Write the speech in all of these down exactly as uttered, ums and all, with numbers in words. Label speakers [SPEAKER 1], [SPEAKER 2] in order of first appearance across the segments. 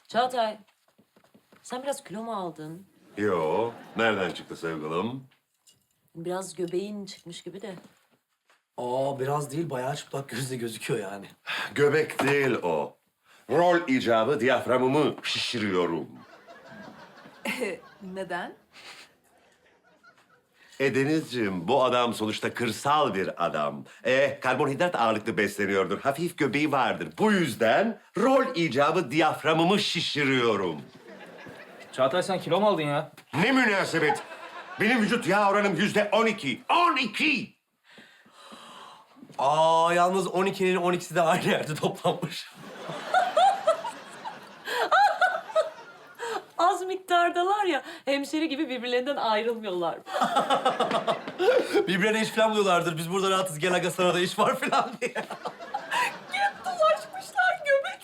[SPEAKER 1] Çağatay, sen biraz kilo mu aldın?
[SPEAKER 2] Yo, nereden çıktı sevgilim?
[SPEAKER 1] Biraz göbeğin çıkmış gibi de.
[SPEAKER 3] Aa biraz değil, bayağı çıplak gözle gözüküyor yani.
[SPEAKER 2] Göbek değil o. Rol icabı diyaframımı şişiriyorum.
[SPEAKER 4] Neden?
[SPEAKER 2] E Denizciğim, bu adam sonuçta kırsal bir adam. E karbonhidrat ağırlıklı besleniyordur. Hafif göbeği vardır. Bu yüzden rol icabı diyaframımı şişiriyorum.
[SPEAKER 5] Çağatay sen kilo mu aldın ya?
[SPEAKER 2] Ne münasebet? Benim vücut yağ oranım yüzde on iki. On iki!
[SPEAKER 3] Aa yalnız on ikinin on ikisi de aynı yerde toplanmış.
[SPEAKER 1] Az miktardalar ya, hemşeri gibi birbirlerinden ayrılmıyorlar.
[SPEAKER 3] Birbirlerine iş falan buluyorlardır. Biz burada rahatız, gel aga sana da iş var falan diye.
[SPEAKER 1] Dolaşmışlar göbek.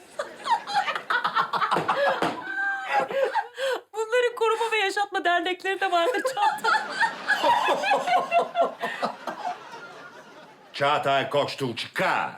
[SPEAKER 1] Bunların koruma ve yaşatma dernekleri de vardır Çağatay.
[SPEAKER 2] Çağatay Koçtuğ çıkar.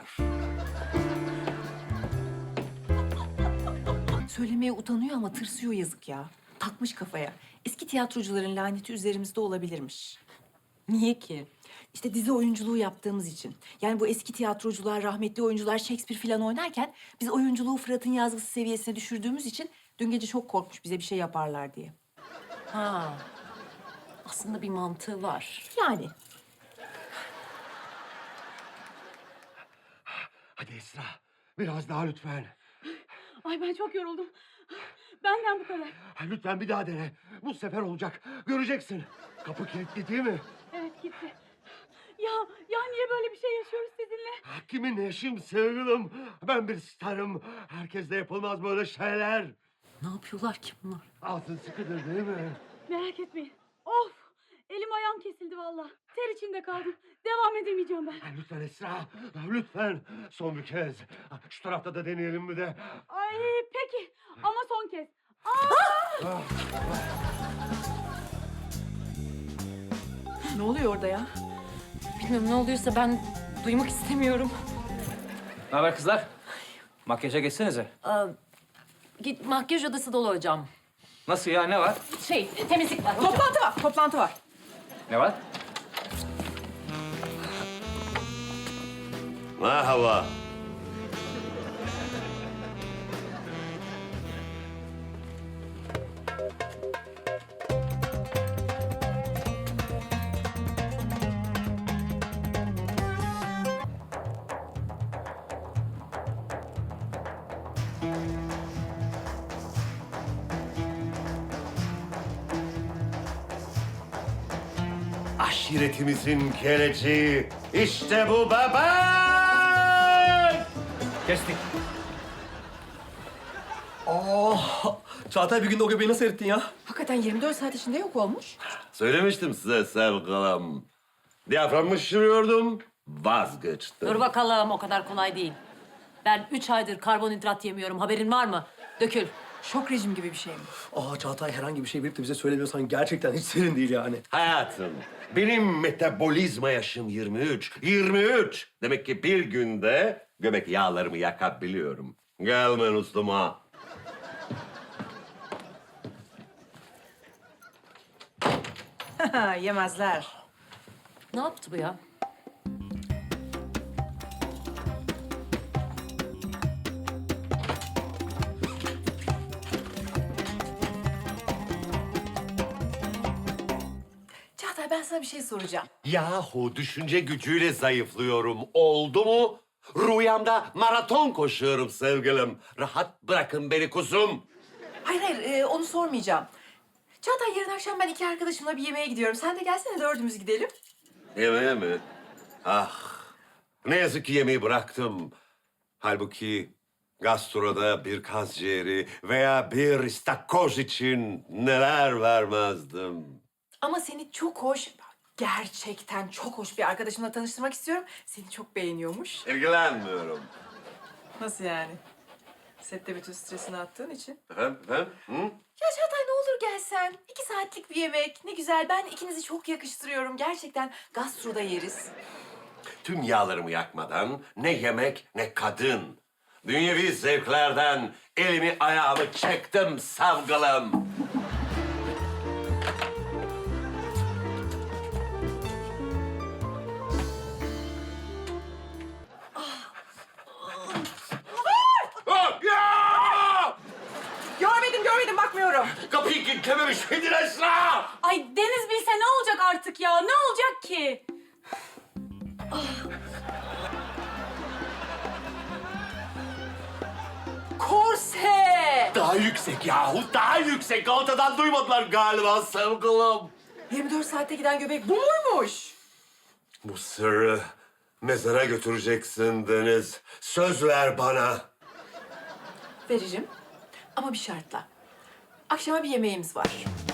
[SPEAKER 4] Söylemeye utanıyor ama tırsıyor yazık ya. Takmış kafaya. Eski tiyatrocuların laneti üzerimizde olabilirmiş.
[SPEAKER 1] Niye ki?
[SPEAKER 4] İşte dizi oyunculuğu yaptığımız için. Yani bu eski tiyatrocular, rahmetli oyuncular Shakespeare falan oynarken... ...biz oyunculuğu Fırat'ın yazgısı seviyesine düşürdüğümüz için... ...dün gece çok korkmuş bize bir şey yaparlar diye.
[SPEAKER 1] Ha. Aslında bir mantığı var.
[SPEAKER 4] Yani
[SPEAKER 2] Hadi Esra, biraz daha lütfen.
[SPEAKER 6] Ay ben çok yoruldum. Benden bu kadar.
[SPEAKER 2] Lütfen bir daha dene. Bu sefer olacak. Göreceksin. Kapı kilitli değil mi?
[SPEAKER 6] Evet gitti. Ya, ya niye böyle bir şey yaşıyoruz sizinle?
[SPEAKER 2] Kimin eşim sevgilim? Ben bir starım. Herkeste yapılmaz böyle şeyler.
[SPEAKER 1] Ne yapıyorlar ki bunlar?
[SPEAKER 2] Altın sıkıdır değil mi?
[SPEAKER 6] Merak etmeyin. Of! Elim ayağım kesildi vallahi. Ter içinde kaldım. Devam edemeyeceğim ben.
[SPEAKER 2] Lütfen Esra, lütfen. Son bir kez. Şu tarafta da deneyelim mi de?
[SPEAKER 6] Ay peki ama son kez.
[SPEAKER 4] ne oluyor orada ya?
[SPEAKER 1] Bilmiyorum, ne oluyorsa ben duymak istemiyorum.
[SPEAKER 5] Ne haber kızlar? Makyaja geçsenize.
[SPEAKER 1] Aa, git makyaj odası dolu hocam.
[SPEAKER 5] Nasıl ya, ne var?
[SPEAKER 1] Şey, temizlik var hocam.
[SPEAKER 4] Toplantı var, toplantı var.
[SPEAKER 5] Ne var?
[SPEAKER 2] Merhaba. Aşiretimizin geleceği. İşte bu baba.
[SPEAKER 5] Kestik.
[SPEAKER 3] Aa Çağatay bir günde o göbeği nasıl erittin ya?
[SPEAKER 4] Hakikaten yirmi dört saat içinde yok olmuş.
[SPEAKER 2] Söylemiştim size sevgilim. Diyaframımı şişiriyordum, vazgeçtim.
[SPEAKER 1] Dur bakalım, o kadar kolay değil. Ben üç aydır karbonhidrat yemiyorum, haberin var mı? Dökül.
[SPEAKER 4] Şok rejim gibi bir şey mi?
[SPEAKER 3] Aa Çağatay herhangi bir şey bilip de bize söylemiyorsan gerçekten hiç serin değil yani.
[SPEAKER 2] Hayatım, benim metabolizma yaşım yirmi üç. yirmi üç! Demek ki bir günde göbek yağlarımı yakabiliyorum. Gelmen ustama.
[SPEAKER 4] Yemezler.
[SPEAKER 1] Ne yaptı bu ya?
[SPEAKER 4] Çağatay ben sana bir şey soracağım.
[SPEAKER 2] Yahu düşünce gücüyle zayıflıyorum. Oldu mu? Rüyamda maraton koşuyorum sevgilim. Rahat bırakın beni kuzum.
[SPEAKER 4] Hayır hayır e, onu sormayacağım. Çağatay yarın akşam ben iki arkadaşımla bir yemeğe gidiyorum. Sen de gelsene dördümüz gidelim.
[SPEAKER 2] Yemeğe mi? Ah, ne yazık ki yemeği bıraktım. Halbuki gastroda bir kaz ciğeri veya bir istakoz için neler vermezdim.
[SPEAKER 4] Ama seni çok hoş, gerçekten çok hoş bir arkadaşımla tanıştırmak istiyorum. Seni çok beğeniyormuş.
[SPEAKER 2] İlgilenmiyorum.
[SPEAKER 4] Nasıl yani? Sette bütün stresini attığın için.
[SPEAKER 2] Efendim, efendim? Hı?
[SPEAKER 4] Ya Çağatay ne olur gelsen. İki saatlik bir yemek. Ne güzel. Ben ikinizi çok yakıştırıyorum. Gerçekten gastroda yeriz.
[SPEAKER 2] Tüm yağlarımı yakmadan ne yemek ne kadın. Dünyevi zevklerden elimi ayağımı çektim sevgilim. Ah! Ya!
[SPEAKER 4] Görmedim, görmedim, bakmıyorum.
[SPEAKER 2] Kapıyı kilitlememiş miydin Esra?
[SPEAKER 6] Ay Deniz bilse ne olacak artık ya? Ne olacak ki?
[SPEAKER 4] Korse!
[SPEAKER 2] Daha yüksek yahu, daha yüksek. Ortadan duymadılar galiba sevgilim.
[SPEAKER 4] yirmi dört saatte giden göbek bu muymuş?
[SPEAKER 2] Bu sırrı mezara götüreceksin Deniz. Söz ver bana.
[SPEAKER 4] Veririm ama bir şartla. Akşama bir yemeğimiz var.